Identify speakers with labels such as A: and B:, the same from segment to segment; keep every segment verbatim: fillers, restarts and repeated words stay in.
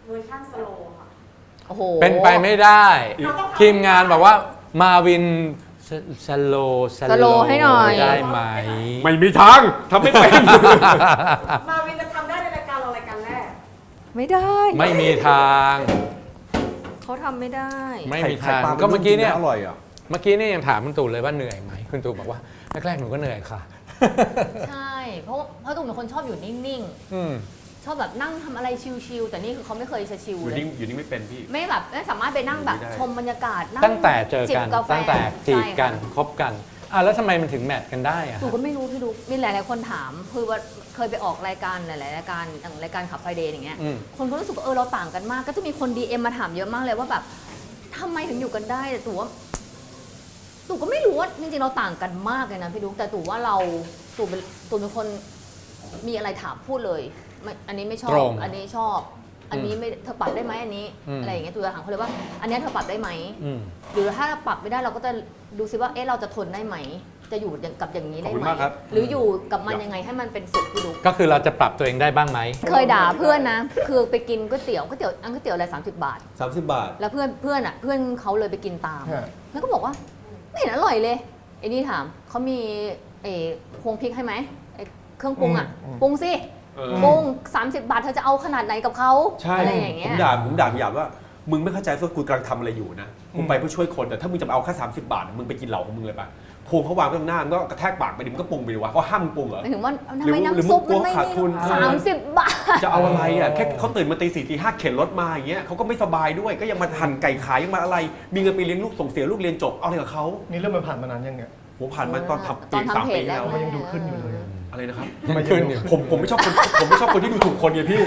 A: เวอร์ชันสโลว์ค่ะ
B: โอ้โห
C: เป็นไปไม่ได้ทีมงานบอกว่ามาวินสโลส
B: สโลว์ให้หน่อย
C: ได้ไหม
D: ไม่มีทางทำไม่เป็น
A: มาวินจะทำได้ในรายการเรารายการแรก
B: ไม่ได้
C: ไม่มีทาง
B: เขาทำไม่ได้
C: ไม่มีทางก็เมื่อกี้เนี่ย
D: อร่อยอ่ะ
C: เมื่อกี้เนี่ยยังถามคุณตู่เลยว่าเหนื่อยไหมคุณตู่บอกว่าแรกๆหนูก็เหนื่อยค่ะ
B: ใช่ เพราะเพราะตูมเป็นคนชอบอยู่นิ่ง
C: อืม
B: ๆ ชอบแบบนั่งทำอะไรชิลๆแต่นี่คือเขาไม่เคยจะชิล
D: อยู่
B: เลย
D: นิ่งอยู่นิ่งไม่เป็นพี่
B: ไม่แบบไม่สามารถไปนั่งแบบ
D: ไม่ได้
B: ชมบรรยากาศนั่ง
C: ตั้งแต่เจอ
B: จิบ
C: กัน
B: กาแฟ
C: ตั้งแต่จีบกัน
B: ใช่ค่ะ
C: คบกันอ่ะแล้วทำไมมันถึงแมทกันได้อะ
B: ตูก็ไม่รู้พี่ดูมีหลายๆคนถามคือว่าเคยไปออกรายการหลายๆรายการอย่างรายการขับไฟเดย์อย่างเงี้ย
C: อืม
B: คนก็รู้สึกว่าเออเราต่างกันมาก ก็จะมีคน ดี เอ็ม มาถามเยอะมากเลยว่าแบบทำไมถึงอยู่กันได้แต่ตู่ว่าตู่ก็ไม่รู้ว่าจริงๆเราต่างกันมากเลยนะพี่ดุ๊กแต่ตู่ว่าเราตู่เป็นตู่เป็นคนมีอะไรถามพูดเลยไม่อันนี้ไม่ชอบ
C: ตรง
B: อันนี้ชอบ อันนี้ไม่เธอปรับได้ไหมอันนี้
C: อืม
B: อะไรอย่างเงี้ยตู่จะถามเขาเลยว่า อันเนี้ยเธอปรับได้ไหม
C: อืม
B: หรือถ้าปรับไม่ได้เราก็จะดูซิว่าเอ๊ะเราจะทนได้ไหม จะอยู่กับอย่างนี้ได้
D: ขอบคุณ
B: ไหม
D: มากครับ
B: หรืออยู่กับมันยังไงให้มันเป็นสุขพี่ดุ๊ก
C: ก็คือเราจะปรับตัวเองได้บ้างไหม
B: เคยด่าเพื่อนนะ คือไปกินก๋วยเตี๋ยวก๋วยเตี๋ยวอันก๋วยเตี๋ยวอะไรสามสิบบาท
D: สามสิบบาท
B: แล้วเพื่อนเพื่อนอ่ะเพื่อนเขาเลยไปกินตาม
D: ฮะ
B: แล้วก็บอกว่าไม่เห็นอร่อยเลยไอ้นี่ถามเขามีเออพวงพริกให้ไหมไอ้เครื่องปรุงอ่ะปรุงสิ
D: เออ
B: ปรุงสามสิบบาทเธอจะเอาขนาดไหนกับเขา
D: ใช่
B: อะไรอย่าง
D: ผ
B: เงี้ย
D: มด่าผมด่าพี่หยาบว่ามึงไม่เข้าใจว่ากูกำลังทำอะไรอยู่นะกูไปเพื่อช่วยคนแต่ถ้ามึงจะมาเอาแค่สามสิบบาทมึงไปกินเหล้าของมึงเลยปะพวงเขาวางไว้ตรงหน้ามึงก็กระแทกปากไปดิมึงก็ปรุงไปดิวะเขาห้ามมึงปรุงเหรอ
B: หมายถึงว่าทำ
D: หรือ
B: ไม
D: หรือ
B: น้ำซุป
D: มึ
B: มั
D: ง
B: นไม่
D: ขาดทุน
B: สามสิบบาท
D: จะเอาอะไรอ่ะแค่เขาตื่นมาตีสี่ตีห้าเข็นรถมาอย่างเงี้ยเขาก็ไม่สบายด้วยก็ยังมาหั่นไก่ขายยังมาอะไร มีเงินไปเลี้ยงลูกส่งเสียลูกเรียนจบเอาอะไรกับเขา
E: นี่เรื่องมันผ่านมานานยังเนี่ย
D: ผมผ่านมาตอนทำ
B: ต
D: ปี
B: อนทำ
D: สาม
B: เพ
D: ปี
B: จแล้
D: แล้ว ว
E: มันยังดูขึ้นอยู่เลย
D: อะไรนะครับ
C: มันขึ้นอยู่
D: ผมผมไม่ชอบคนผมไม่ชอบคนที่ดูถูกคนไงพี่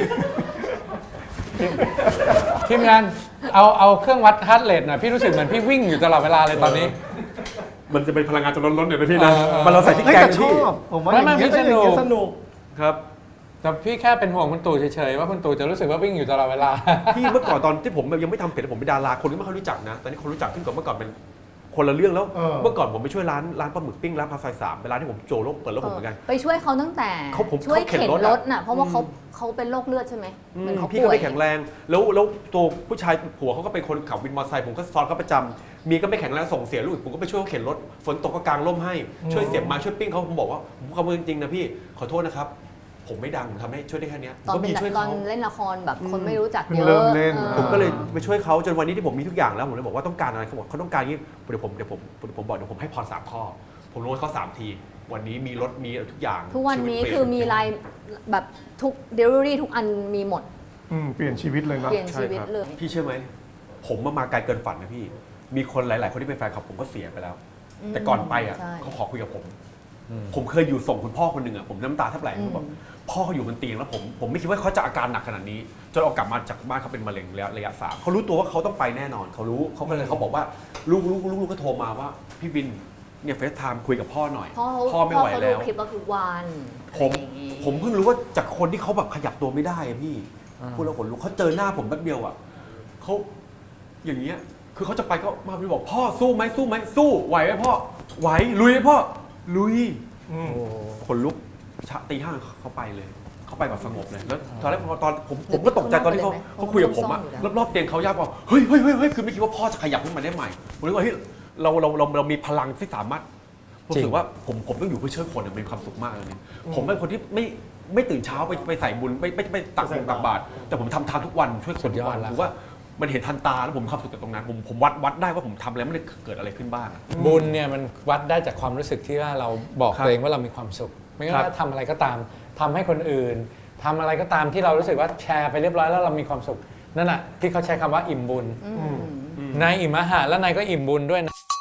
C: ทีมงานเอาเอาเครื่องวัดฮาร์ทเรทหน่อยพี่รู้สึกเหมือนพี่วิ่งอยู่ตลอดเวลาเลยตอนนี้
D: มันจะเป็นพลังงานจนล้นๆเดี๋ยวนะพี่นะ
C: เออเออ
D: มันเราใส่ที่
E: เฮ้ย
D: แกง
E: แต่
D: นะ
E: ช
D: พี่
E: อบผมว่า
C: ไม่
E: อย่าง
C: ไม่
E: เงี้ย
C: ไม่
E: อย่างเงี้ย
C: ส
E: ส
C: นุ
E: นุ
C: ก
E: ก
D: ครับ
C: แต่พี่แค่เป็นห่วงคุณตู่เฉยๆว่าคุณตู่จะรู้สึกว่าวิ่งอยู่ตลอดเวลา
D: พี่เมื่อก่อนตอนที่ผมยังไม่ทำเพจผมเป็นดาราคนก็ไม่ค่อยรู้จักนะตอนนี้คนรู้จักขึ้นกว่าเมื่อก่อนเป็นคนละเรื่องแล้ว
E: เออ
D: เมื่อก่อนผมไปช่วยร้านร้านปลาหมึกปิ้งร้านพาซอยสามเป็นร้านที่ผมโจโลกเปิดแล้วผมเหมือนกัน
B: ไปช่วยเขาตั้งแต่
D: เขาผม
B: ช่วย
D: เขาเข็น
B: เข็น
D: รถ
B: ร
D: อะ
B: ถน่ะเพราะว่าเขาเขาเป็นโรคเลือดใช่ไหมเหมือนเขา
D: พี่
B: ป่
D: ก็
B: วย
D: ไม่แข็งแรง แล้วแล้วตัวผู้ชายผัวเขาก็เป็นคนขับวินมอเตอร์ไซค์ผมก็ซ้อนเขาประจำเมียก็ไม่แข็งแรงส่งเสียลูกผมก็ไปช่วยเขาเข็นรถฝนตกก็กางร่มให้ช่วยเสียบไมาช่วยปิ้งเขาผมบอกว่าผมขอบคุณจริงๆนะพี่ขอโทษนะครับผมไม่ดังผมทำให้ช่วยได้แค่เนี้ยผม
B: ตอน
D: ก็
B: เป็น
D: มีช่วย
B: ตอน
D: เขา
B: เล่นละครแบบคน
D: อืม
B: ไม่รู้จัก
E: เพิ่ง
B: เยอะ
E: เริ่มเล่น
B: ออ
D: ผมก็เลยไปช่วยเขาจนวันนี้ที่ผมมีทุกอย่างแล้วผมเลยบอกว่าต้องการอะไรเขาบอกเขาต้องการนี้เดี๋ยวผมเดี๋ยวผมเดี๋ยวผมบอกเดี๋ยวผมให้พรสามข้อ ผมลงให้เขาสามที วันนี้มีรถมีทุกอย่าง
B: ทุกวันนี้
D: ชีตเปลี่ย
B: คือมีรายแบบทุกเดลิเวอรี่ทุกอันมีหมด
E: อืมเปลี่ยนชีวิตเลยเนาะ
B: เปลี่ยน
D: ใช่
B: ชีวิต
D: ครับ
B: เลย
D: พี่เชื่อไหมผมมามาไกลเกินฝันนะพี่ มีคนหลาย ๆ คนที่เป็นแฟนคลับผมก็เสียไปแล้ว แต่ก่อนไปอ่ะ
B: ใช่
D: เขาขอคุยกับผม
C: อืม
D: ผมเคยอยู่ส่งคุณพ่อคนหนึ่งอ่ะผมน้ำตาแทบไหลเขาบอกพ่อเขาอยู่บนเตียงแล้วผมผมไม่คิดว่าเขาจะอาการหนักขนาดนี้จนเอากลับมาจากบ้านเขาเป็นมะเร็งระยะระยะสามเขารู้ตัวว่าเขาต้องไปแน่นอนเขารู้เขาก็เลยเขาบอกว่าลูกลูกลูกลูกก็โทรมาว่าพี่บินเนี่ยเฟซไทม์คุยกับพ่อหน่อย
B: พ่อเขา
D: พ่อไม่ไหว
B: เขา
D: แล้
B: ดู
D: ว
B: คลิปเราทุกวัน
D: ผม
B: อะไรอย่างงี้
D: ผมเพิ่งรู้ว่าจากคนที่เขาแบบขยับตัวไม่ได้อะพี่
C: อ่า
D: พูดแล้วขนลุกเขาเจอหน้าผมแป๊บเดียวอ่ะเขาอย่างเงี้ยคือเขาจะไปก็มาพี่บอกพ่อสู้ไหมสู้ไหมสู้ไหวไหมพ่อไหวลุยไหมพ่อลุย
E: อืม
D: ขนลุกชะตีห้าเขาไปเลยเขาไปแบบสงบเลยแล้วตอนแรกพอตอนผมผมก็ตกใจตอนที่เขาเขาคุยกับผมอะรอบๆเตียงเขายากบอกเฮ้ยเฮ้ยเฮ้ยเฮ้ยคือไม่คิดว่าพ่อจะขยับขึ้นมาได้ใหม่ผมเลยว่าเฮ้ยเราเราเราเรามีพลังที่สามารถผมรู้สึกว่าผมผมต้องอยู่เพื่อช่วยคนอะมีความสุขมากเลยเนี่ยผมเป็นคนที่ไม่ไม่ตื่นเช้าไปไปใส่บุญไม่ไม่ไม่ตักบุญตักบาตรแต่ผมทำทานทุกวันช่วยคนทุกวันถือว่ามันเห็นทันตาแล้วผมมีความสุขกับตรงนั้นผมผมวัดวัดได้ว่าผมทำแล้วมันเกิดอะไรขึ้นบ้างอะ
C: บุญเนี่ยมันวัดได้จากความรู้สึกที่ว่าเราบอก
D: ครับ
C: ตัวเองว่าเรามีความสุข ไม่
D: ครั
C: ว่า
D: บ
C: ทำอะไรก็ตามทำให้คนอื่นทำอะไรก็ตามที่เรารู้สึกว่าแชร์ไปเรียบร้อยแล้วเรามีความสุขนั่นแหะที่เขาใช้คำว่าอิ่มบุญ
B: อืม
C: นายอิ่มอาหารแล้วนายก็อิ่มบุญด้วยนะ